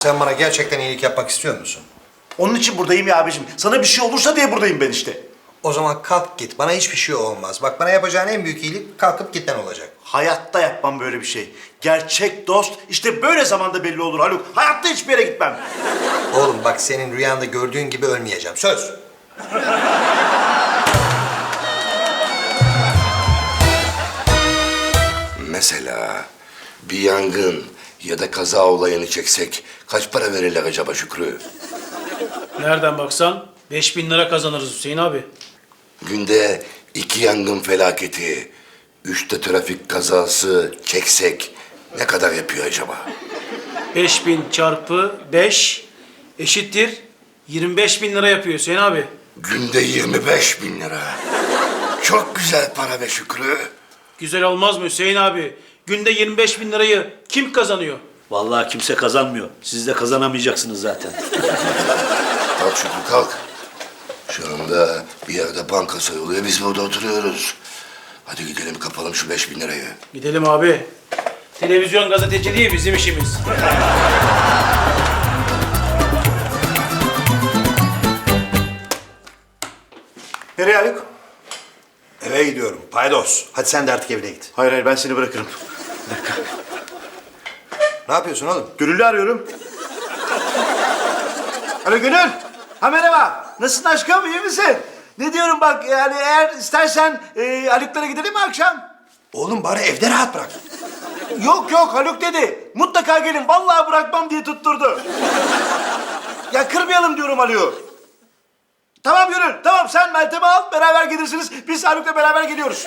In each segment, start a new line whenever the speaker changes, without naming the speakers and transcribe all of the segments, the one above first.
Sen bana gerçekten iyilik yapmak istiyor musun?
Onun için buradayım ya abicim. Sana bir şey olursa diye buradayım ben işte.
O zaman kalk git. Bana hiçbir şey olmaz. Bak bana yapacağın en büyük iyilik kalkıp gitmen olacak.
Hayatta yapmam böyle bir şey. Gerçek dost işte böyle zamanda belli olur Haluk. Hayatta hiçbir yere gitmem.
Oğlum bak senin rüyanda gördüğün gibi ölmeyeceğim. Söz.
Mesela bir yangın ya da kaza olayını çeksek kaç para verirler acaba Şükrü?
Nereden baksan 5.000 lira kazanırız Hüseyin abi.
Günde 2 yangın felaketi, 3 de trafik kazası çeksek ne kadar yapıyor acaba?
5.000 çarpı 5 eşittir 25.000 lira yapıyor Hüseyin abi.
Günde 25.000 lira. Çok güzel para be Şükrü.
Güzel olmaz mı Hüseyin abi? Günde 25.000 lirayı kim kazanıyor?
Vallahi kimse kazanmıyor. Siz de kazanamayacaksınız zaten.
Kalk Şükrü kalk. Şu anda bir yerde banka soyuluyor, biz burada oturuyoruz. Hadi gidelim kapalım şu 5.000 lirayı.
Gidelim abi. Televizyon gazeteci değil bizim işimiz.
Nereye Haluk?
Eve gidiyorum. Paydos. Hadi sen de artık evine git.
Hayır hayır ben seni bırakırım.
Ne yapıyorsun oğlum?
Gönül'ü arıyorum. Alo Gönül. Ha merhaba. Nasılsın aşkım iyi misin? Ne diyorum bak yani eğer istersen Haluk'lara gidelim mi akşam?
Oğlum bari evde rahat bırak.
Yok yok Haluk dedi. Mutlaka gelin vallahi bırakmam diye tutturdu. Ya kırmayalım diyorum Haluk'u. Tamam Gönül tamam sen Meltem'i al beraber gelirsiniz. Biz Haluk'la beraber geliyoruz.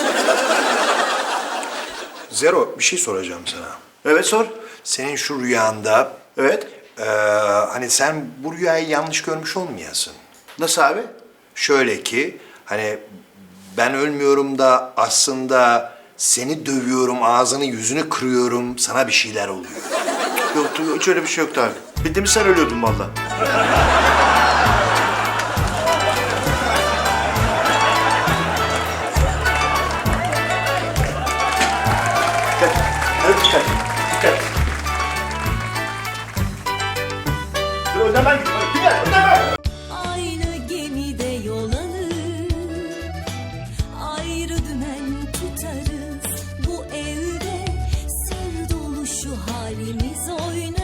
Zero bir şey soracağım sana.
Evet sor.
Senin şu rüyanda...
Evet.
Hani sen bu rüyayı yanlış görmüş olmayasın.
Nasıl abi?
Şöyle ki hani ben ölmüyorum da aslında seni dövüyorum, ağzını yüzünü kırıyorum, sana bir şeyler oluyor.
Yoktu hiç öyle bir şey yoktu abi. Bildiğimiz sen ölüyordun vallahi. Dikkat. Evet dikkat. Dikkat. Dur önden ben gideyim. Dikkat önden ben.
Aynı gemide yol alır, ayrı dümen tutarız. Bu evde sır dolu şu halimiz oynar.